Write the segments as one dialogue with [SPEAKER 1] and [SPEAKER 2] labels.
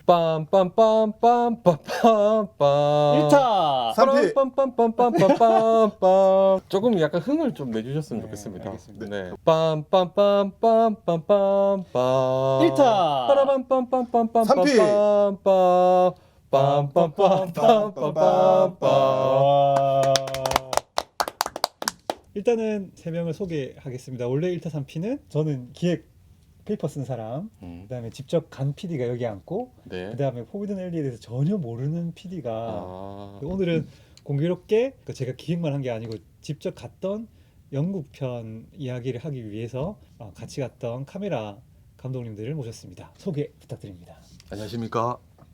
[SPEAKER 1] 빰빰빰빰빰빰빰
[SPEAKER 2] 1타
[SPEAKER 3] 3피
[SPEAKER 1] 빰빰빰빰빰빰빰 조금 약간 흥을 좀 내주셨으면
[SPEAKER 2] 네,
[SPEAKER 1] 좋겠습니다.
[SPEAKER 2] 알겠습니다.
[SPEAKER 1] 네. 빰빰빰빰빰빰빰빰
[SPEAKER 2] 1타
[SPEAKER 1] 빠라빰빰빰빰빰빰빰 빰빰빰빰빰빰빰
[SPEAKER 2] 와. 일단은 세 명을 소개하겠습니다. 원래 1타 3피는 저는 기획 페이퍼 쓴 사람, 그다음에 직접 간 PD가 여기 앉고,
[SPEAKER 1] 네.
[SPEAKER 2] 그다음에 포비든 엘리에 대해서 전혀 모르는 PD가
[SPEAKER 1] 아,
[SPEAKER 2] 오늘은 공교롭게 제가 기획만 한 게 아니고 직접 갔던 영국 편 이야기를 하기 위해서 같이 갔던 카메라 감독님들을 모셨습니다. 소개 부탁드립니다.
[SPEAKER 1] 안녕하십니까?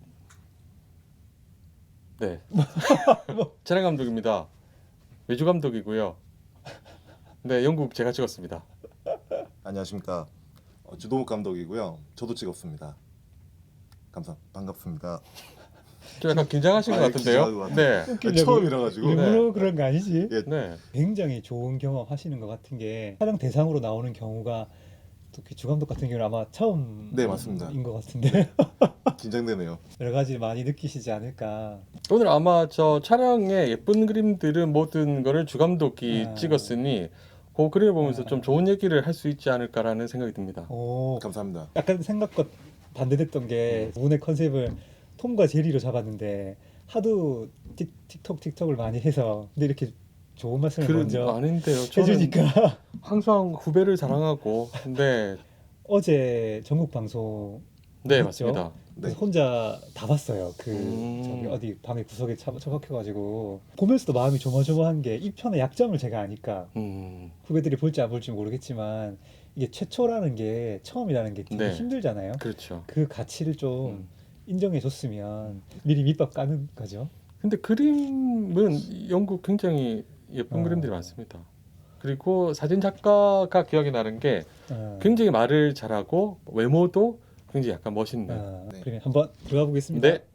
[SPEAKER 1] 네. 촬영 감독입니다. 외주 감독이고요. 네, 영국 제가 찍었습니다.
[SPEAKER 3] 안녕하십니까. 주도목 감독이고요. 저도 찍었습니다. 반갑습니다.
[SPEAKER 1] 좀 약간 긴장하신 것
[SPEAKER 3] 긴장한
[SPEAKER 1] 같은데요?
[SPEAKER 3] 것
[SPEAKER 1] 네.
[SPEAKER 3] 처음이라 가지고
[SPEAKER 2] 일부러 그런 거 아니지?
[SPEAKER 3] 예.
[SPEAKER 1] 네.
[SPEAKER 2] 굉장히 좋은 경험 하시는 것 같은 게 촬영 대상으로 나오는 경우가 특히 주감독 같은 경우는 아마 처음인
[SPEAKER 3] 네, 맞습니다.
[SPEAKER 2] 것 같은데
[SPEAKER 3] 긴장되네요.
[SPEAKER 2] 여러 가지 많이 느끼시지 않을까.
[SPEAKER 1] 오늘 아마 저 촬영에 예쁜 그림들은 모든 거를 주 감독이
[SPEAKER 2] 아.
[SPEAKER 1] 찍었으니 그 그림을 보면서
[SPEAKER 2] 아.
[SPEAKER 1] 좀 좋은 얘기를 할 수 있지 않을까라는 생각이 듭니다.
[SPEAKER 2] 오,
[SPEAKER 3] 감사합니다.
[SPEAKER 2] 약간 생각과 반대됐던 게 오늘 컨셉을 톰과 제리로 잡았는데 하도 틱톡을 많이 해서 근데 이렇게 좋은 말씀을 먼저
[SPEAKER 1] 아닌데요. 저는
[SPEAKER 2] 해주니까
[SPEAKER 1] 항상 후배를 자랑하고 근데
[SPEAKER 2] 어제 전국 방송
[SPEAKER 1] 네
[SPEAKER 2] 했죠?
[SPEAKER 1] 맞습니다.
[SPEAKER 2] 그래서 혼자 다 봤어요. 저기 어디 방에 구석에 처박혀가지고 보면서도 마음이 조마조마한 게 이 편의 약점을 제가 아니까 후배들이 볼지 안 볼지 모르겠지만 이게 최초라는 게 처음이라는 게 되게
[SPEAKER 1] 네.
[SPEAKER 2] 힘들잖아요.
[SPEAKER 1] 그렇죠.
[SPEAKER 2] 그 가치를 좀
[SPEAKER 1] 음.
[SPEAKER 2] 인정해줬으면 미리 밑밥 까는 거죠.
[SPEAKER 1] 근데 그림은 영국 굉장히 예쁜 그림들이 많습니다. 그리고 사진 작가가 기억이 나는 게 굉장히 말을 잘하고 외모도 굉장히 약간 멋있는.
[SPEAKER 3] 네.
[SPEAKER 2] 그러면 한번 들어가 보겠습니다.
[SPEAKER 1] 네.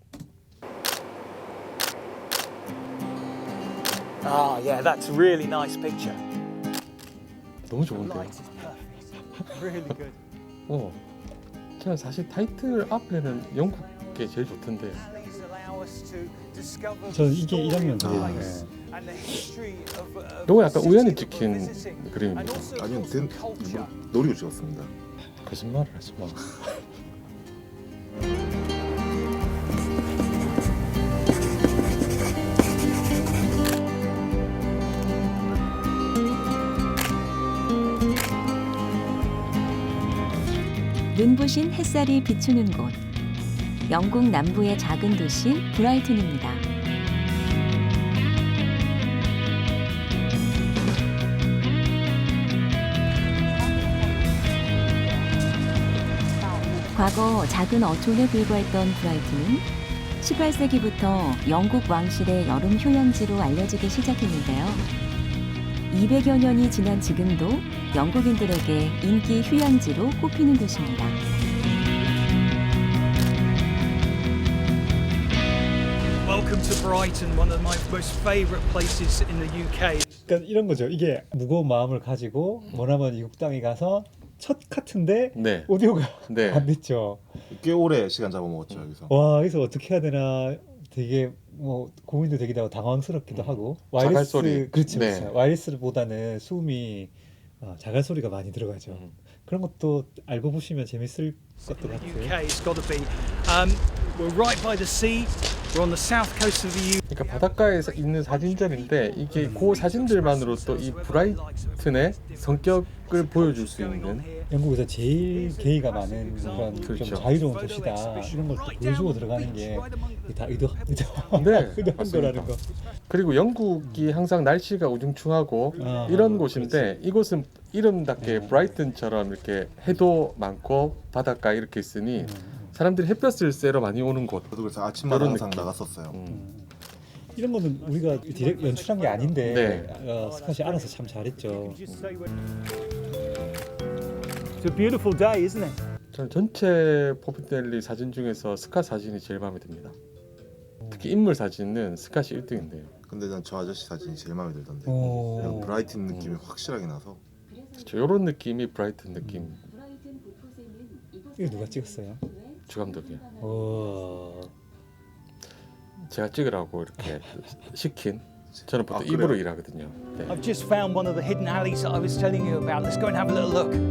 [SPEAKER 4] Ah, yeah, that's a really nice picture.
[SPEAKER 1] 너무
[SPEAKER 4] The
[SPEAKER 1] 좋은데요.
[SPEAKER 4] light is perfect. Really good.
[SPEAKER 1] 저는 사실 타이틀 앞에는 영국 게 제일 좋던데.
[SPEAKER 4] Alleys allow us to discover
[SPEAKER 2] 저는
[SPEAKER 4] the
[SPEAKER 2] 이게 이
[SPEAKER 4] story
[SPEAKER 2] 장면
[SPEAKER 4] of the
[SPEAKER 2] 좋아해요.
[SPEAKER 4] place and the history of
[SPEAKER 1] 이거 약간
[SPEAKER 4] the
[SPEAKER 1] 우연히
[SPEAKER 4] city that we're
[SPEAKER 1] 찍힌
[SPEAKER 4] visiting. And
[SPEAKER 1] 그림입니다.
[SPEAKER 4] also, of
[SPEAKER 3] 아니요,
[SPEAKER 4] course, the
[SPEAKER 3] 일부러
[SPEAKER 4] culture.
[SPEAKER 3] 노리고 찍었습니다.
[SPEAKER 1] 거짓말을 하지 마.
[SPEAKER 5] 눈부신 햇살이 비추는 곳, 영국 남부의 작은 도시 브라이튼입니다. 과거 작은 어촌에 불과했던 브라이튼은 18세기부터 영국 왕실의 여름 휴양지로 알려지기 시작했는데요. 200여 년이 지난 지금도 영국인들에게 인기 휴양지로 꼽히는 곳입니다.
[SPEAKER 4] Welcome to Brighton, one of my most favourite places in the UK.
[SPEAKER 2] 그러니까 이런 거죠. 이게 무거운 마음을 가지고 머나먼 이국 땅에 가서 첫 카트인데
[SPEAKER 1] 네.
[SPEAKER 2] 오디오가
[SPEAKER 1] 네.
[SPEAKER 2] 안 됐죠.
[SPEAKER 3] 꽤 오래 시간 잡아먹었죠 여기서.
[SPEAKER 2] 와, 여기서 어떻게 해야 되나 되게 뭐 고민도 되기도 하고 당황스럽기도 하고
[SPEAKER 1] 자갈소리.
[SPEAKER 2] 그렇죠,
[SPEAKER 1] 네.
[SPEAKER 2] 그렇죠. 와이리스보다는 숨이 자갈 소리가 많이 들어가죠. 그런 것도 알고 보시면 재밌을 것도 같아요.
[SPEAKER 4] UK, it's got to be. We're right by the sea. We're on the south coast of the UK.
[SPEAKER 1] 그러니까 바닷가에 있는 사진전인데 이게 그 사진들만으로 또 이 브라이튼의 성격을 보여줄 수 있는
[SPEAKER 2] 영국에서 제일 게이가 많은 그런
[SPEAKER 1] 그렇죠.
[SPEAKER 2] 좀 자유로운 도시다 이런 걸 또 보여주고 들어가는 게 다
[SPEAKER 1] 네,
[SPEAKER 2] 의도한
[SPEAKER 1] 맞습니다.
[SPEAKER 2] 거라는 거.
[SPEAKER 1] 그리고 영국이 항상 날씨가 우중충하고 이런 곳인데 이곳은 이름답게 브라이튼처럼 이렇게 해도 많고 바닷가 이렇게 있으니 사람들이 햇볕을 쐬러 많이 오는 곳.
[SPEAKER 3] 저도 그래서 아침마다
[SPEAKER 1] 이런
[SPEAKER 3] 항상
[SPEAKER 1] 느낌.
[SPEAKER 3] 나갔었어요.
[SPEAKER 2] 이런 거는 우리가 디렉 연출한 게 아닌데
[SPEAKER 1] 네.
[SPEAKER 2] 스캇이 알아서 참 잘했죠.
[SPEAKER 4] It's a beautiful day, isn't it?
[SPEAKER 1] 저는 전체 포피델리 사진 중에서 스카 사진이 제일 마음에 듭니다. 특히 인물 사진은 스캇이 1등인데요.
[SPEAKER 3] 근데 난 저 아저씨 사진이 제일 마음에 들던데.
[SPEAKER 2] 오.
[SPEAKER 3] 그냥 브라이튼 느낌이 확실하게 나서.
[SPEAKER 1] 이런 느낌이 브라이튼 느낌.
[SPEAKER 2] 이거 누가 찍었어요?
[SPEAKER 1] 주 감독이
[SPEAKER 2] 오.
[SPEAKER 1] 제가 찍으라고 이렇게 시킨. 저는 보통
[SPEAKER 3] 그래요?
[SPEAKER 1] 입으로 일하거든요. 네.
[SPEAKER 4] I've just found one of the hidden alleys that I was telling you about. Let's go and have a little look.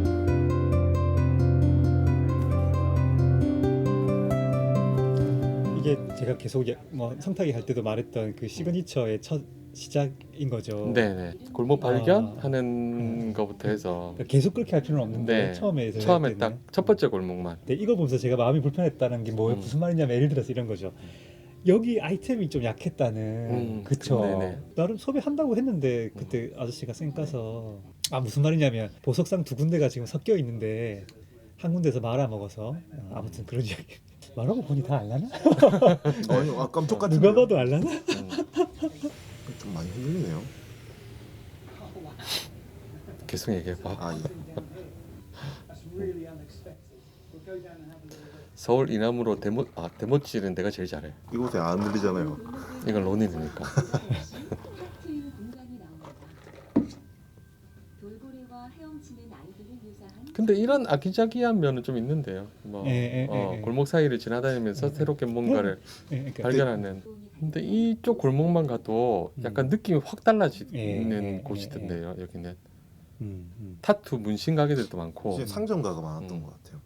[SPEAKER 2] 이게 제가 계속 뭐 성탁이 할 때도 말했던 그 시그니처의 첫 시작인 거죠.
[SPEAKER 1] 네네. 골목 발견하는 거부터 해서
[SPEAKER 2] 그러니까 계속 그렇게 할 필요는 없는데
[SPEAKER 1] 네.
[SPEAKER 2] 처음에
[SPEAKER 1] 처음에 딱 첫 번째 골목만.
[SPEAKER 2] 네, 이거 보면서 제가 마음이 불편했다는 게 뭐 무슨 말이냐면 예를 들어서 이런 거죠. 여기 아이템이 좀 약했다는 그쵸.
[SPEAKER 1] 네네.
[SPEAKER 2] 나름 소비한다고 했는데 그때 아저씨가 쌩 까서 무슨 말이냐면 보석상 두 군데가 지금 섞여 있는데 한 군데서 말아먹어서 아무튼 그런 이야기 말하고 보니 다 알라나?
[SPEAKER 3] 아니 깜짝 같은.
[SPEAKER 2] 누가 봐도 알라나?
[SPEAKER 3] 좀 많이 흔들리네요.
[SPEAKER 1] 계속 얘기해봐.
[SPEAKER 3] 아 예.
[SPEAKER 1] 서울 이남으로 데모질은 내가 제일 잘해.
[SPEAKER 3] 이곳에 안 들리잖아요.
[SPEAKER 1] 이건 론인이니까. 근데 이런 아기자기한 면은 좀 있는데요. 뭐 골목 사이를 지나다니면서 새롭게 뭔가를
[SPEAKER 2] 그러니까
[SPEAKER 1] 발견하는. 근데 이쪽 골목만 가도 약간 느낌이 확 달라지는 곳이던데요. 여기는 타투 문신 가게들도 많고.
[SPEAKER 3] 이제 상점가가 많았던 것 같아요.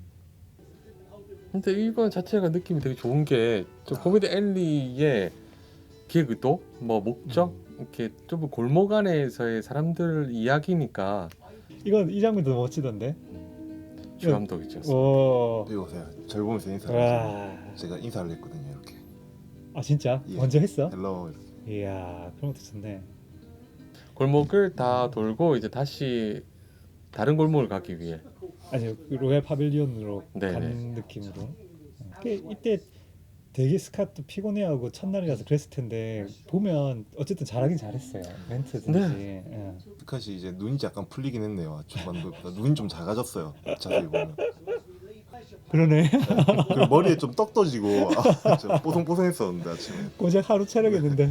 [SPEAKER 1] 근데 이거 자체가 느낌이 되게 좋은 게 좀 코미디 앨리의 기획 의도, 뭐 목적 이렇게 좀 골목 안에서의 사람들 이야기니까
[SPEAKER 2] 이건 이 장면도 멋지던데.
[SPEAKER 1] 주 감독이죠.
[SPEAKER 2] 오.
[SPEAKER 3] 이곳에 절 보면서 인사를
[SPEAKER 2] 와.
[SPEAKER 3] 해서 제가 인사를 했거든요. 이렇게.
[SPEAKER 2] 아 진짜?
[SPEAKER 3] 예.
[SPEAKER 2] 먼저 했어?
[SPEAKER 3] 헬로 이렇게.
[SPEAKER 2] 이야 그런 것도 좋네.
[SPEAKER 1] 골목을 다 돌고 이제 다시 다른 골목을 가기 위해.
[SPEAKER 2] 아니 로얄 파빌리온으로
[SPEAKER 1] 네네.
[SPEAKER 2] 가는 느낌으로. 이때 되게 스캇도 피곤해하고 첫날이라서 그랬을 텐데 보면 어쨌든 잘하긴 잘했어요. 멘트든지. 예.
[SPEAKER 3] 스캇이 이제 눈이 약간 풀리긴 했네요. 중반부터 눈이 좀 작아졌어요. 자세히 보면.
[SPEAKER 2] 그러네.
[SPEAKER 3] 그리고 머리에 좀 떡 떠지고 좀 뽀송뽀송했었는데 아침에.
[SPEAKER 2] 고작 하루 촬영했는데.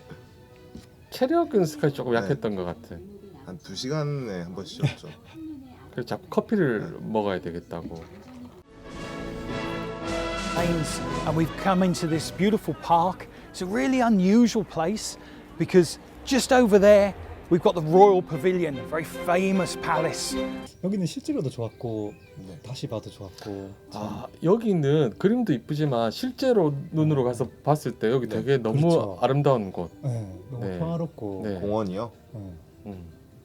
[SPEAKER 1] 체력은 스카이 조금 약했던 것 같아.
[SPEAKER 3] 한 2시간에 한 번씩 쉬었죠.
[SPEAKER 1] 그래서 자꾸 커피를 먹어야 되겠다고.
[SPEAKER 4] Lanes, and we've come into this beautiful park. It's a really unusual place because just over there we've got the Royal Pavilion, a very famous palace.
[SPEAKER 2] 여기는 실제로도 좋았고
[SPEAKER 3] 네.
[SPEAKER 2] 다시 봐도 좋았고.
[SPEAKER 1] 여기는 그림도 이쁘지만 실제로 눈으로 가서 봤을 때 여기
[SPEAKER 3] 네,
[SPEAKER 1] 되게 너무
[SPEAKER 2] 그렇죠.
[SPEAKER 1] 아름다운 곳.
[SPEAKER 2] 네, 너무
[SPEAKER 1] 네.
[SPEAKER 2] 평화롭고.
[SPEAKER 1] 네.
[SPEAKER 3] 공원이요.
[SPEAKER 2] 네.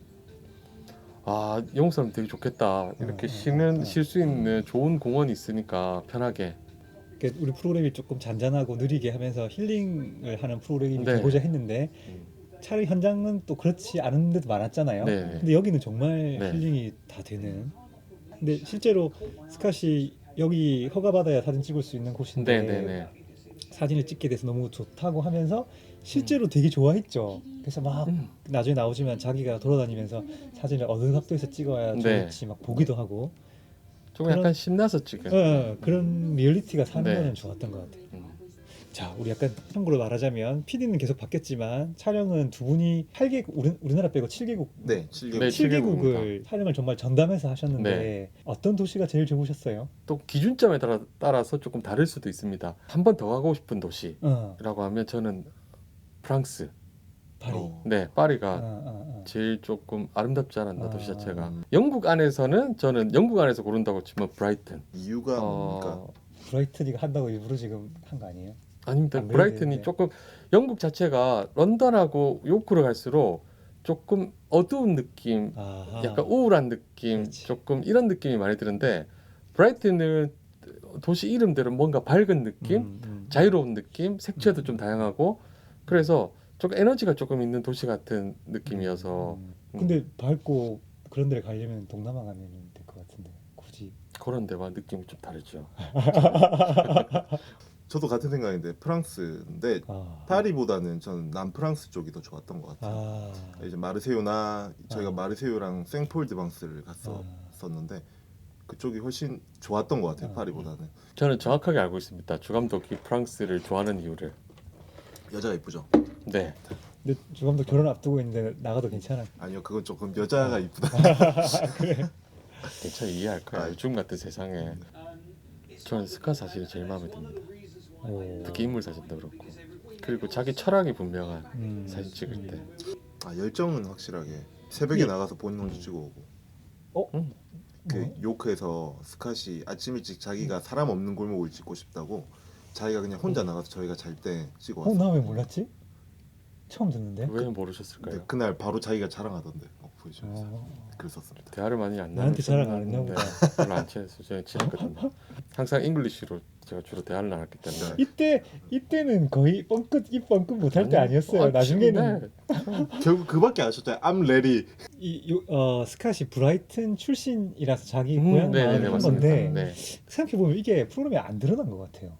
[SPEAKER 1] 영국 사람 되게 좋겠다. 이렇게 쉴 수 있는 좋은 공원이 있으니까 편하게.
[SPEAKER 2] 그러니까 우리 프로그램이 조금 잔잔하고 느리게 하면서 힐링을 하는 프로그램이
[SPEAKER 1] 네.
[SPEAKER 2] 되고자 했는데 차라리 현장은 또 그렇지 않은 데도 많았잖아요.
[SPEAKER 1] 네.
[SPEAKER 2] 근데 여기는 정말
[SPEAKER 1] 네.
[SPEAKER 2] 힐링이 다 되는. 근데 실제로 스캇이 여기 허가받아야 사진 찍을 수 있는 곳인데
[SPEAKER 1] 네네네.
[SPEAKER 2] 사진을 찍게 돼서 너무 좋다고 하면서 실제로 되게 좋아했죠. 그래서 막 나중에 나오지만 자기가 돌아다니면서 사진을 어느 각도에서 찍어야
[SPEAKER 1] 네.
[SPEAKER 2] 좋을지 막 보기도 하고
[SPEAKER 1] 조금 약간 신나서 찍은.
[SPEAKER 2] 그런 리얼리티가 사는
[SPEAKER 1] 네.
[SPEAKER 2] 거는 좋았던 것 같아요. 자, 우리 약간 참고로 말하자면 PD는 계속 바뀌었지만 촬영은 두 분이 8개국 우리나라 빼고 7개국
[SPEAKER 3] 네, 7개월.
[SPEAKER 1] 네,
[SPEAKER 2] 7개국을 촬영을 정말 전담해서 하셨는데
[SPEAKER 1] 네.
[SPEAKER 2] 어떤 도시가 제일 좋으셨어요?
[SPEAKER 1] 또 기준점에 따라서 조금 다를 수도 있습니다. 한 번 더 가고 싶은 도시라고 하면 저는 프랑스.
[SPEAKER 2] 파리.
[SPEAKER 1] 네, 파리가 제일 조금 아름답지 않았나 도시
[SPEAKER 2] 아.
[SPEAKER 1] 자체가. 영국 안에서는 저는 영국 안에서 고른다고 치면 브라이튼.
[SPEAKER 3] 이유가 뭡니까?
[SPEAKER 2] 브라이트니가 한다고 일부러 지금 한 거 아니에요?
[SPEAKER 1] 아닙니다.
[SPEAKER 2] 안
[SPEAKER 1] 브라이튼이
[SPEAKER 2] 그래도
[SPEAKER 1] 조금 영국 자체가 런던하고 요크로 갈수록 조금 어두운 느낌,
[SPEAKER 2] 아하.
[SPEAKER 1] 약간 우울한 느낌,
[SPEAKER 2] 그렇지.
[SPEAKER 1] 조금 이런 느낌이 많이 드는데 브라이튼은 도시 이름대로 뭔가 밝은 느낌, 자유로운 느낌, 색채도 좀 다양하고 그래서 조금 에너지가 조금 있는 도시 같은 느낌이어서
[SPEAKER 2] 근데 밝고 그런 데를 가려면 동남아 가면 될 것 같은데 굳이.
[SPEAKER 1] 그런 데와 느낌이 좀 다르죠.
[SPEAKER 3] 저도 같은 생각인데 프랑스인데 파리보다는 저는 남프랑스 쪽이 더 좋았던 것 같아요. 이제 마르세유나 저희가 마르세유랑 생폴드방스를 갔었는데 그쪽이 훨씬 좋았던 것 같아요. 파리보다는.
[SPEAKER 1] 저는 정확하게 알고 있습니다. 주 감독이 프랑스를 좋아하는 이유를.
[SPEAKER 3] 여자가 이쁘죠?
[SPEAKER 1] 네.
[SPEAKER 2] 근데 주감독 결혼 앞두고 있는데 나가도 괜찮아?
[SPEAKER 3] 아니요, 그건 조금 여자가 이쁘다.
[SPEAKER 2] 그래.
[SPEAKER 1] 괜찮아 이해할 거야. 요즘 같은 세상에. 저는 스카 사진이 제일 마음에 듭니다.
[SPEAKER 2] 오.
[SPEAKER 1] 특히 인물 사진도 그렇고. 그리고 자기 철학이 분명한 사진 찍을 때.
[SPEAKER 3] 아 열정은 확실하게 새벽에
[SPEAKER 2] 예.
[SPEAKER 3] 나가서 본인 혼자 찍어오고. 그
[SPEAKER 2] 뭐?
[SPEAKER 3] 요크에서 스캇이 아침 일찍 자기가 사람 없는 골목을 찍고 싶다고 자기가 그냥 혼자 나가서 저희가 잘 때 찍어왔어.
[SPEAKER 2] 나 왜 몰랐지? 처음 듣는데.
[SPEAKER 1] 왜 모르셨을까요?
[SPEAKER 3] 근데 그날 바로 자기가 자랑하던데 보여주면서
[SPEAKER 2] 어.
[SPEAKER 3] 그랬었습니다.
[SPEAKER 1] 대화를 많이 안
[SPEAKER 2] 나한테 자랑 안 했나
[SPEAKER 1] 나눴었는데 별로 안 친했어요. 저는 친했거든요. 항상 잉글리시로 제가 주로 대화를 나눴기 때문에.
[SPEAKER 2] 이때는 거의 입 뻥끗 못할 때 아니었어요.
[SPEAKER 1] 아,
[SPEAKER 2] 나중에는
[SPEAKER 3] 결국 그밖에 안 하셨잖아요. I'm ready.
[SPEAKER 2] 스캇이 브라이튼 출신이라서 자기 고향 마을을
[SPEAKER 1] 네네네
[SPEAKER 2] 한
[SPEAKER 1] 맞습니다.
[SPEAKER 2] 건데
[SPEAKER 1] 네.
[SPEAKER 2] 생각해 보면 이게 프로그램에 안 드러난 것 같아요.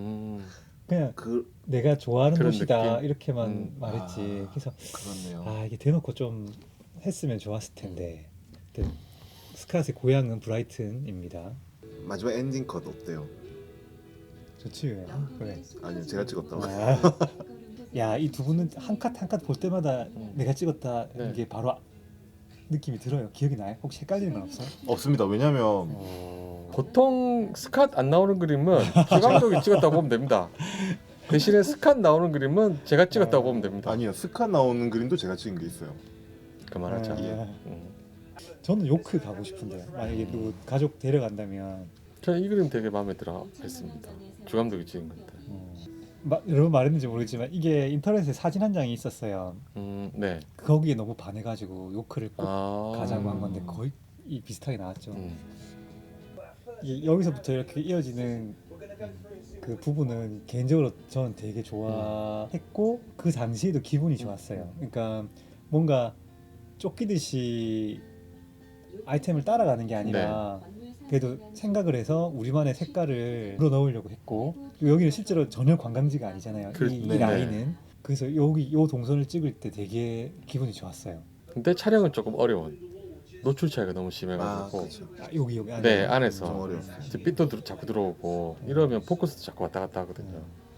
[SPEAKER 2] 그냥
[SPEAKER 3] 그
[SPEAKER 2] 내가 좋아하는
[SPEAKER 1] 그런
[SPEAKER 2] 곳이다
[SPEAKER 1] 느낌?
[SPEAKER 2] 이렇게만 말했지. 그래서
[SPEAKER 3] 그렇네요.
[SPEAKER 2] 이게 대놓고 좀 했으면 좋았을 텐데. 근데 스캇의 고향은 브라이튼입니다.
[SPEAKER 3] 마지막 엔딩 컷 어때요?
[SPEAKER 2] 좋지. 그래.
[SPEAKER 3] 아니요 제가 찍었다고.
[SPEAKER 2] 야, 이 두 분은 한 컷 한 컷 볼 때마다 내가 찍었다
[SPEAKER 1] 네.
[SPEAKER 2] 이게 바로 느낌이 들어요. 기억이 나요? 혹시 헷갈리는 건 없어요?
[SPEAKER 3] 없습니다. 왜냐면
[SPEAKER 1] 보통 스캇 안 나오는 그림은 주 감독이 찍었다고 보면 됩니다. 대신에 스캇 나오는 그림은 제가 찍었다고 보면 됩니다.
[SPEAKER 3] 아니요 스캇 나오는 그림도 제가 찍은 게 있어요.
[SPEAKER 1] 그만하자.
[SPEAKER 2] 아, 저는 요크 가고 싶은데 만약에 누구 가족 데려간다면
[SPEAKER 1] 저는 이 그림 되게 마음에 들어 했습니다. 주 감독이 찍은 건데.
[SPEAKER 2] 여러분 말했는지 모르겠지만 이게 인터넷에 사진 한 장이 있었어요.
[SPEAKER 1] 네.
[SPEAKER 2] 거기에 너무 반해가지고 요크를 꼭
[SPEAKER 1] 아.
[SPEAKER 2] 가자고 한 건데 거의 비슷하게 나왔죠.
[SPEAKER 1] 음.
[SPEAKER 2] 이게 여기서부터 이렇게 이어지는 그 부분은 개인적으로 저는 되게 좋아했고 그 당시에도 기분이 좋았어요. 그러니까 뭔가 쫓기듯이 아이템을 따라가는 게 아니라 그래도 생각을 해서 우리만의 색깔을 불어넣으려고 했고 여기는 실제로 전혀 관광지가 아니잖아요. 이
[SPEAKER 1] 네네.
[SPEAKER 2] 라인은. 그래서 여기 요 동선을 찍을 때 되게 기분이 좋았어요.
[SPEAKER 1] 근데 촬영은 조금 어려운. 노출 차이가 너무
[SPEAKER 3] 아
[SPEAKER 1] 심해가지고.
[SPEAKER 3] 그렇죠.
[SPEAKER 2] 여기 안에.
[SPEAKER 1] 네
[SPEAKER 3] 좀
[SPEAKER 1] 안에서
[SPEAKER 3] 어려웠어요.
[SPEAKER 1] 이제 빛도 자꾸 들어오고 이러면 포커스도 자꾸 왔다 갔다 하거든요.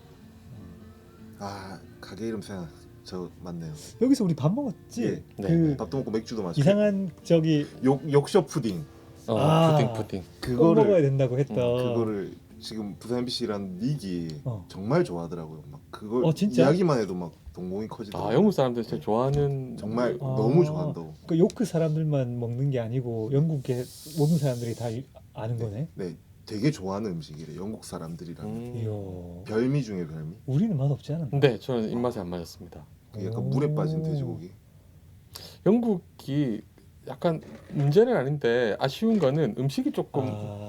[SPEAKER 3] 아 가게 이름 생각 저 맞네요.
[SPEAKER 2] 여기서 우리 밥 먹었지?
[SPEAKER 3] 예.
[SPEAKER 2] 그
[SPEAKER 3] 밥도 먹고 맥주도 마시고.
[SPEAKER 2] 이상한 저기
[SPEAKER 3] 욕쇼 푸딩.
[SPEAKER 1] 푸딩.
[SPEAKER 2] 꼭 먹어야 된다고 했던
[SPEAKER 3] 그거를 지금 부산 MBC라는 닉이 정말 좋아하더라고요. 막 그걸
[SPEAKER 2] 진짜?
[SPEAKER 3] 이야기만 해도 막 동공이 커지더라고요.
[SPEAKER 1] 영국 사람들 진짜 좋아하는
[SPEAKER 3] 정말 너무 좋아한다고.
[SPEAKER 2] 그 요크 사람들만 먹는 게 아니고 영국의 모든 사람들이 다 아는 거네.
[SPEAKER 3] 네, 되게 좋아하는 음식이래. 영국 사람들이라면
[SPEAKER 2] 이야.
[SPEAKER 3] 별미 중에 별미.
[SPEAKER 2] 우리는 맛 없지 않았나?
[SPEAKER 1] 근데 저는 입맛에 안 맞았습니다.
[SPEAKER 3] 그 약간 물에 빠진 돼지고기.
[SPEAKER 1] 영국이 약간 문제는 아닌데 아쉬운 거는 음식이 조금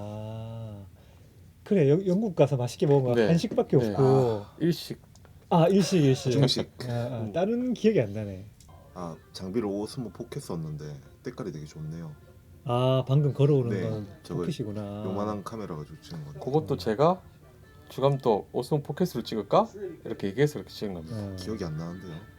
[SPEAKER 2] 그래 영국 가서 맛있게 먹은 거
[SPEAKER 1] 네.
[SPEAKER 2] 한식밖에
[SPEAKER 1] 네.
[SPEAKER 2] 없고
[SPEAKER 1] 일식.
[SPEAKER 2] 일식
[SPEAKER 3] 중식.
[SPEAKER 2] 다른 기억이 안 나네.
[SPEAKER 3] 장비를 오스모 포켓 썼는데 때깔이 되게 좋네요.
[SPEAKER 2] 방금 걸어오는
[SPEAKER 3] 네,
[SPEAKER 2] 건
[SPEAKER 3] 저거
[SPEAKER 2] 포켓이구나.
[SPEAKER 3] 요만한 카메라가 찍은 건데.
[SPEAKER 1] 그것도 제가 주감독 오스몬 포켓으로 찍을까? 이렇게 얘기해서 이렇게 찍은 겁니다.
[SPEAKER 3] 기억이 안 나는데요.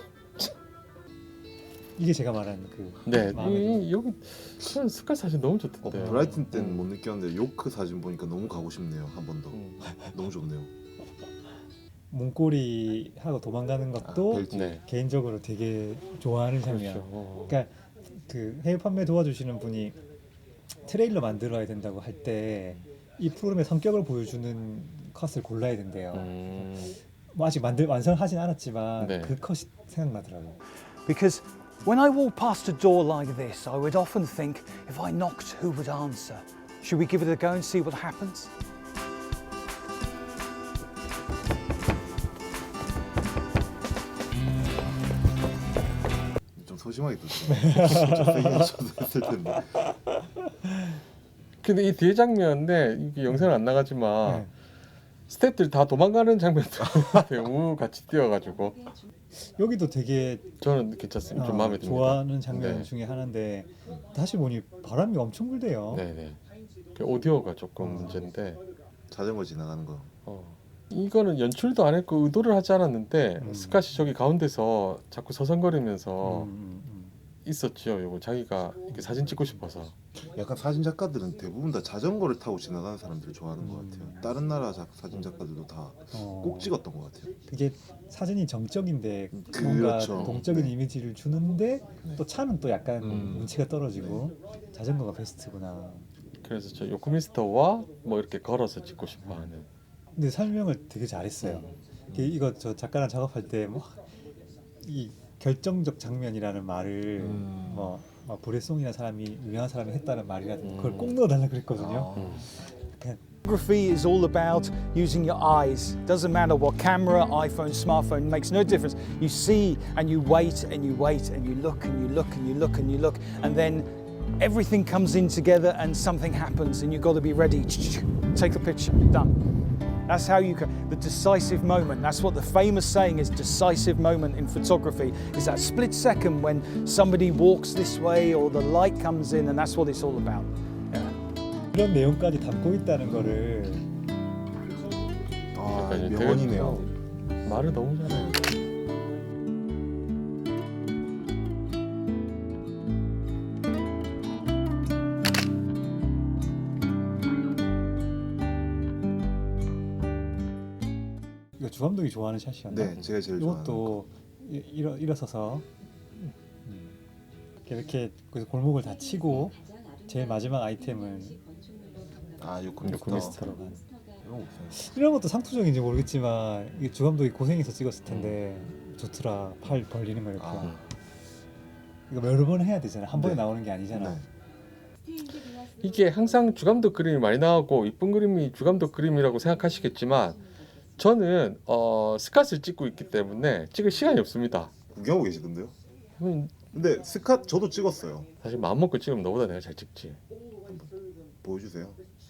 [SPEAKER 2] 이게 제가 말하는 그
[SPEAKER 1] 네,
[SPEAKER 2] 마음의
[SPEAKER 1] 여기 저는 스카 사진 너무 좋던데.
[SPEAKER 3] 브라이튼 때는 못 느꼈는데 요크 사진 보니까 너무 가고 싶네요. 한 번 더. 너무 좋네요.
[SPEAKER 2] 문고리 하고 도망가는 것도
[SPEAKER 3] 벨트.
[SPEAKER 1] 네.
[SPEAKER 2] 개인적으로 되게 좋아하는 장면.
[SPEAKER 1] 그렇죠.
[SPEAKER 2] 그러니까 그 해외 판매 도와주시는 분이 트레일러 만들어야 된다고 할 때 이 프로그램의 성격을 보여주는 컷을 골라야 된대요. 뭐 아직 완성하진 않았지만
[SPEAKER 1] 네.
[SPEAKER 2] 그 컷이 생각나더라고요.
[SPEAKER 4] Because when I walk past a door like this, I would often think, if I knocked, who would answer? Should we give it a go and see what happens?
[SPEAKER 3] 좀 소심하게 떴어요. 진짜 세게 쳐도 됐을 텐데.
[SPEAKER 1] 근데 이 뒤에 장면에 이게 영상은 안 나가지만 스태프들 다 도망가는 장면도 배우 같이 뛰어가지고
[SPEAKER 2] 여기도 되게
[SPEAKER 1] 저는 괜찮습니다. 좀 마음에 듭니다.
[SPEAKER 2] 좋아하는 장면
[SPEAKER 1] 네.
[SPEAKER 2] 중에 하나인데 다시 보니 바람이 엄청 불대요.
[SPEAKER 1] 네네. 그 오디오가 조금 문제인데
[SPEAKER 3] 자전거 지나가는 거.
[SPEAKER 1] 이거는 연출도 안 했고 의도를 하지 않았는데 스캇이 저기 가운데서 자꾸 서성거리면서 있었지요. 요거 자기가 이렇게 사진 찍고 싶어서.
[SPEAKER 3] 약간 사진 작가들은 대부분 다 자전거를 타고 지나가는 사람들을 좋아하는 것 같아요. 다른 나라 사진 작가들도 다 꼭 찍었던 것 같아요.
[SPEAKER 2] 그게 사진이 정적인데 뭔가
[SPEAKER 3] 그렇죠.
[SPEAKER 2] 동적인
[SPEAKER 3] 네.
[SPEAKER 2] 이미지를 주는데
[SPEAKER 3] 네.
[SPEAKER 2] 또 차는 또 약간 운치가 떨어지고 자전거가 베스트구나.
[SPEAKER 1] 그래서 저 요크민스터와 뭐 이렇게 걸어서 찍고 싶어하는.
[SPEAKER 2] 근데 설명을 되게 잘했어요. 이거 저 작가랑 작업할 때 뭐 이 결정적 장면이라는 말을 막 브레송이라는 사람이 유명한 사람이 했다는 말이라든지 그걸 꼭 넣어달라 그랬거든요. 그냥
[SPEAKER 4] Photography is all about using your eyes. Doesn't matter what camera, iPhone, smartphone, makes no difference. You see and you wait and you wait and you look and you look and you look and you look and then everything comes in together and something happens and you've got to be ready. Take the picture. Done. That's how you can, the decisive moment. That's what the famous saying is, decisive moment in photography is that split second when somebody walks this way or the light comes in, and that's what it's all about.
[SPEAKER 2] 그런 내용까지 담고 있다는 거를
[SPEAKER 1] 약간 이제
[SPEAKER 3] 명언이네요.
[SPEAKER 1] 말을 너무 잘해요.
[SPEAKER 2] 이거 주 감독이 좋아하는 샷이었나?
[SPEAKER 3] 네, 제가 제일 좋아하는
[SPEAKER 2] 이것도 일어서서 이렇게 그래서 골목을 다 치고 제일 마지막 아이템은
[SPEAKER 3] 요크민스터.
[SPEAKER 2] 이런 것도 상투적인지 모르겠지만 이게 주 감독이 고생해서 찍었을 텐데 좋더라. 팔 벌리는 거 이렇게. 이거 여러 번 해야 되잖아. 한 번에
[SPEAKER 3] 네.
[SPEAKER 2] 나오는 게 아니잖아.
[SPEAKER 3] 네.
[SPEAKER 1] 이게 항상 주감독 그림이 많이 나오고 이쁜 그림이 주감독 그림이라고 생각하시겠지만 저는 스캇을 찍고 있기 때문에 찍을 시간이 없습니다.
[SPEAKER 3] 구경하고 계시던데요?
[SPEAKER 1] 음,
[SPEAKER 3] 근데 스캇 저도 찍었어요.
[SPEAKER 1] 사실 마음 먹고 찍으면 너보다 내가 잘 찍지.
[SPEAKER 3] 보여주세요.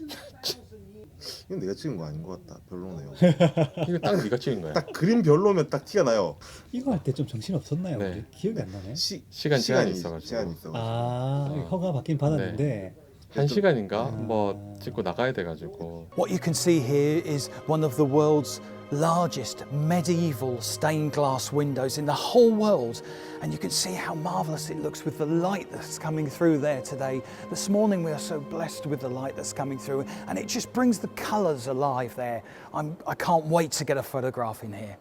[SPEAKER 3] 이건 내가 찍은 거 아닌 것 같다. 별로네요.
[SPEAKER 1] 이거 딱 네가 찍은 거야.
[SPEAKER 3] 딱 그림 별로면 딱 티가 나요.
[SPEAKER 2] 이거 할 때 좀 정신 없었나요?
[SPEAKER 1] 네.
[SPEAKER 2] 우리? 기억이 안 나네.
[SPEAKER 1] 시간 제한이 있어가지고.
[SPEAKER 3] 시간이 있어가지고.
[SPEAKER 2] 아 허가 받긴 받았는데
[SPEAKER 1] 1시간인가 뭐 찍고 나가야 돼가지고.
[SPEAKER 4] What you can see here is one of the world's largest medieval stained glass windows in the whole world, and you can see how marvelous it looks with the light that's coming through there today. This morning we are so blessed with the light that's coming through, and it just brings the colours alive there. I can't wait to get a photograph in here.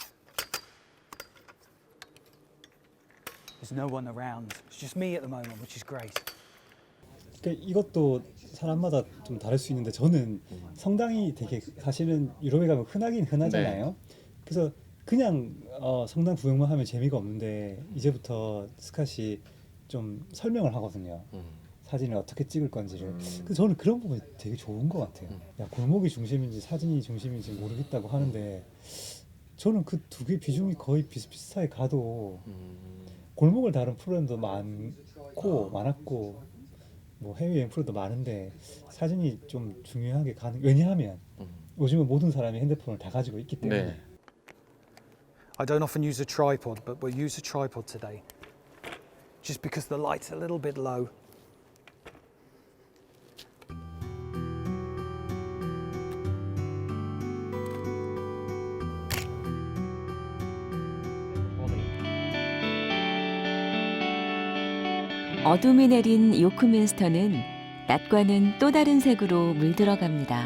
[SPEAKER 4] There's no one around. It's just me at the moment, which is great.
[SPEAKER 2] 이것도 사람마다 좀 다를 수 있는데 저는 성당이 되게 사실은 유럽에 가면 흔하긴 흔하잖아요. 그래서 그냥 성당 구경만 하면 재미가 없는데 이제부터 스캇이 좀 설명을 하거든요. 사진을 어떻게 찍을 건지를. 그래서 저는 그런 부분이 되게 좋은 것 같아요. 야, 골목이 중심인지 사진이 중심인지 모르겠다고 하는데 저는 그 두 개 비중이 거의 비슷비슷하게 가도 골목을 다룬 프로그램도 많았고 뭐 해외여행 프로도 많은데 사진이 좀 중요하게 가는. 왜냐하면 요즘은 모든 사람이 핸드폰을 다 가지고 있기 때문에.
[SPEAKER 1] 네.
[SPEAKER 4] I don't often use a tripod, but we'll use a tripod today. Just because the light's a little bit low.
[SPEAKER 5] 어둠이 내린 요크민스터는 낮과는 또 다른 색으로 물들어갑니다.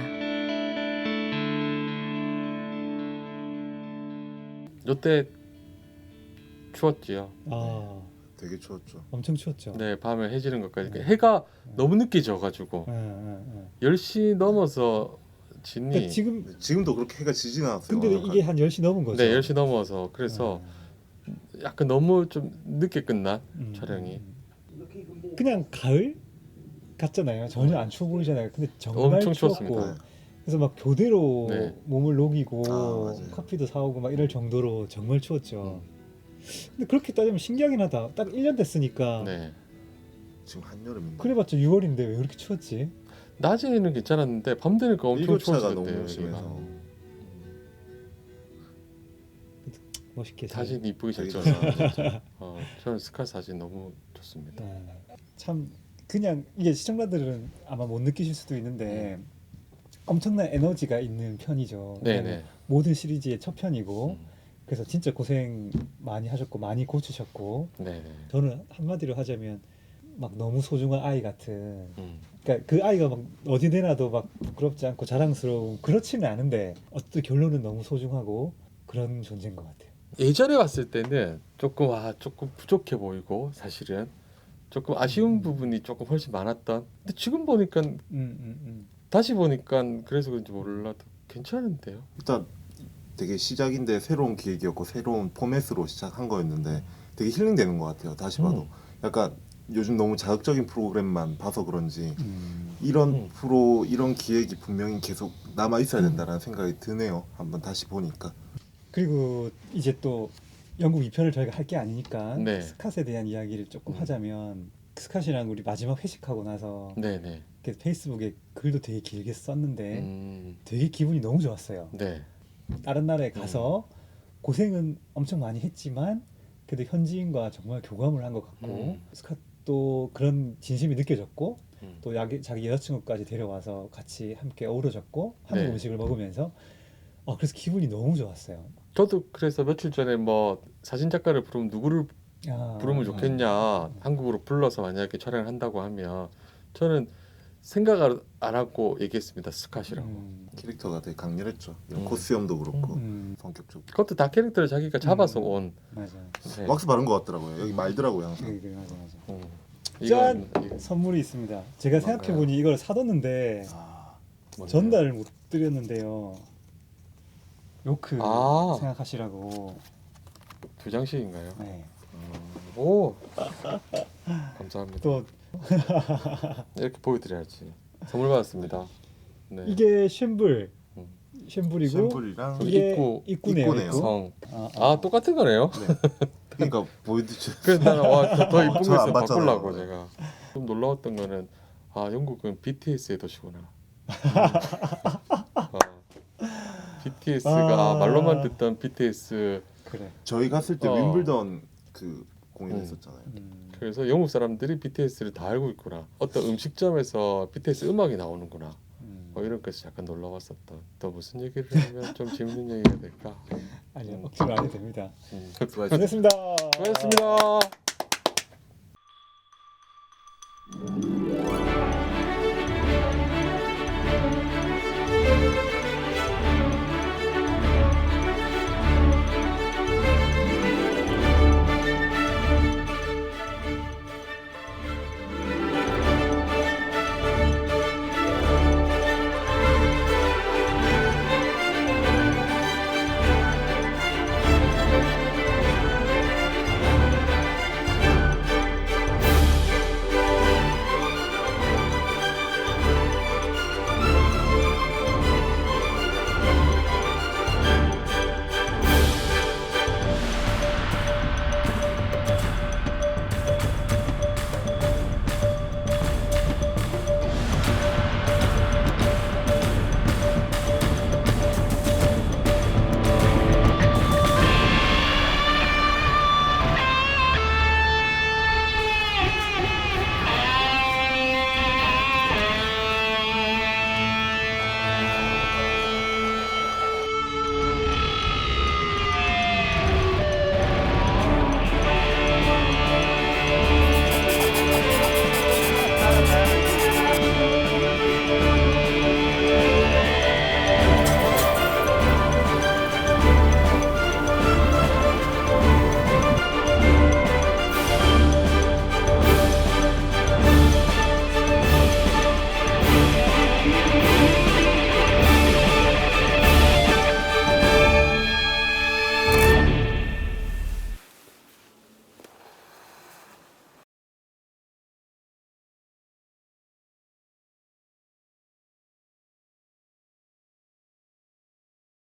[SPEAKER 1] 이때 추웠지요.
[SPEAKER 2] 아
[SPEAKER 3] 되게 추웠죠.
[SPEAKER 2] 엄청 추웠죠.
[SPEAKER 1] 네, 밤에 해지는 것까지. 해가 너무 늦게 져가지고 10시 넘어서 지니.
[SPEAKER 2] 그러니까
[SPEAKER 3] 지금도 그렇게 해가 지진 않았어요.
[SPEAKER 2] 근데 이게 한 10시 넘은 거죠.
[SPEAKER 1] 네, 10시 넘어서 그래서 약간 너무 좀 늦게 끝난 촬영이.
[SPEAKER 2] 그냥 가을 같잖아요. 전혀 안 추워 보이잖아요. 근데 정말
[SPEAKER 1] 엄청
[SPEAKER 2] 추웠고
[SPEAKER 1] 추웠습니다.
[SPEAKER 2] 그래서 막 교대로
[SPEAKER 1] 네.
[SPEAKER 2] 몸을 녹이고
[SPEAKER 3] 맞아요.
[SPEAKER 2] 커피도 사오고 막 이럴 정도로 정말 추웠죠. 근데 그렇게 따지면 신기하긴 하다. 딱 1년 됐으니까
[SPEAKER 1] 네.
[SPEAKER 3] 지금 한여름인데.
[SPEAKER 2] 그래봤자 6월인데 왜 그렇게 추웠지?
[SPEAKER 1] 낮에는 괜찮았는데 밤 되니까 엄청
[SPEAKER 3] 일교차가
[SPEAKER 1] 추워졌대요.
[SPEAKER 3] 너무
[SPEAKER 1] 여기가.
[SPEAKER 3] 심해서.
[SPEAKER 2] 멋있게 잘.
[SPEAKER 1] 사진 이쁘게 잘
[SPEAKER 3] 되게
[SPEAKER 1] 찍었어요. 저는 스캇 사진 너무 좋습니다.
[SPEAKER 2] 참 그냥 이게 시청자들은 아마 못 느끼실 수도 있는데 엄청난 에너지가 있는 편이죠.
[SPEAKER 1] 네네.
[SPEAKER 2] 모든 시리즈의 첫 편이고 그래서 진짜 고생 많이 하셨고 많이 고치셨고
[SPEAKER 1] 네네.
[SPEAKER 2] 저는 한마디로 하자면 막 너무 소중한 아이 같은 그러니까 그 아이가 막 어디 내놔도 막 부끄럽지 않고 자랑스러운 그렇지는 않은데 어떤 결론은 너무 소중하고 그런 존재인 것 같아요.
[SPEAKER 1] 예전에 봤을 때는 조금 부족해 보이고 사실은 조금 아쉬운 부분이 조금 훨씬 많았던. 근데 지금 보니까 다시 보니까 그래서 그런지 몰라도 괜찮은데요.
[SPEAKER 3] 일단 되게 시작인데 새로운 기획이었고 새로운 포맷으로 시작한 거였는데 되게 힐링되는 것 같아요. 다시 봐도 약간 요즘 너무 자극적인 프로그램만 봐서 그런지 이런 프로 이런 기획이 분명히 계속 남아 있어야 된다라는 생각이 드네요. 한번 다시 보니까.
[SPEAKER 2] 그리고 이제 또 영국 2편을 저희가 할 게 아니니까
[SPEAKER 1] 네.
[SPEAKER 2] 스캇에 대한 이야기를 조금 하자면 스캇이랑 우리 마지막 회식하고 나서
[SPEAKER 1] 네네.
[SPEAKER 2] 이렇게 페이스북에 글도 되게 길게 썼는데 되게 기분이 너무 좋았어요.
[SPEAKER 1] 네.
[SPEAKER 2] 다른 나라에 가서 고생은 엄청 많이 했지만 그래도 현지인과 정말 교감을 한 것 같고 스캇도 그런 진심이 느껴졌고 또 자기 여자친구까지 데려와서 같이 함께 어우러졌고 한국
[SPEAKER 1] 네.
[SPEAKER 2] 음식을 먹으면서 그래서 기분이 너무 좋았어요.
[SPEAKER 1] 저도 그래서 며칠 전에 뭐 사진 작가를 부르면 누구를 부르면 좋겠냐 한국으로 불러서 만약에 촬영을 한다고 하면 저는 생각 안 하고 얘기했습니다. 스캇이라고.
[SPEAKER 3] 캐릭터가 되게 강렬했죠. 이런 코스염도 그렇고 성격적으로.
[SPEAKER 1] 그것도 다 캐릭터를 자기가 잡아서 온.
[SPEAKER 2] 맞아.
[SPEAKER 1] 네.
[SPEAKER 3] 왁스 바른 것 같더라고요. 여기 말더라고요 항상.
[SPEAKER 2] 그래, 맞아.
[SPEAKER 1] 이건
[SPEAKER 2] 선물이 있습니다. 제가 생각해 보니 이걸 사뒀는데
[SPEAKER 1] 뭔가요?
[SPEAKER 2] 전달을 못 드렸는데요. 요크
[SPEAKER 1] 아.
[SPEAKER 2] 생각하시라고.
[SPEAKER 1] 2장씩인가요?
[SPEAKER 2] 네.
[SPEAKER 1] 오. 감사합니다.
[SPEAKER 2] 또
[SPEAKER 1] 이렇게 보여드려야지. 선물 받았습니다. 네.
[SPEAKER 2] 이게 쉔불, 쉔불이고
[SPEAKER 3] 샘플이랑
[SPEAKER 2] 이게 입구네요.
[SPEAKER 3] 입구네요.
[SPEAKER 2] 입구.
[SPEAKER 1] 성.
[SPEAKER 2] 아,
[SPEAKER 1] 똑같은 거네요.
[SPEAKER 3] 네. 그러니까 보여드죠.
[SPEAKER 1] 그래서 나는 더 이쁜 거
[SPEAKER 3] 저는 안
[SPEAKER 1] 있으면
[SPEAKER 3] 봤잖아요.
[SPEAKER 1] 바꾸려고 제가. 좀 놀라웠던 거는 영국은 BTS의 도시구나. BTS가 말로만 듣던 BTS.
[SPEAKER 2] 그래.
[SPEAKER 3] 저희 갔을 때 윈블던 그 공연했었잖아요.
[SPEAKER 1] 그래서 영국 사람들이 BTS를 다 알고 있구나. 어떤 음식점에서 BTS 음악이 나오는구나. 이런 것이 약간 놀라웠었던. 또 무슨 얘기를 하면 좀 재밌는 얘기가 될까?
[SPEAKER 2] 아니요, 억지로 안 해도 됩니다.
[SPEAKER 3] 수고하셨습니다.
[SPEAKER 2] 고맙습니다.
[SPEAKER 1] 수고하셨습니다.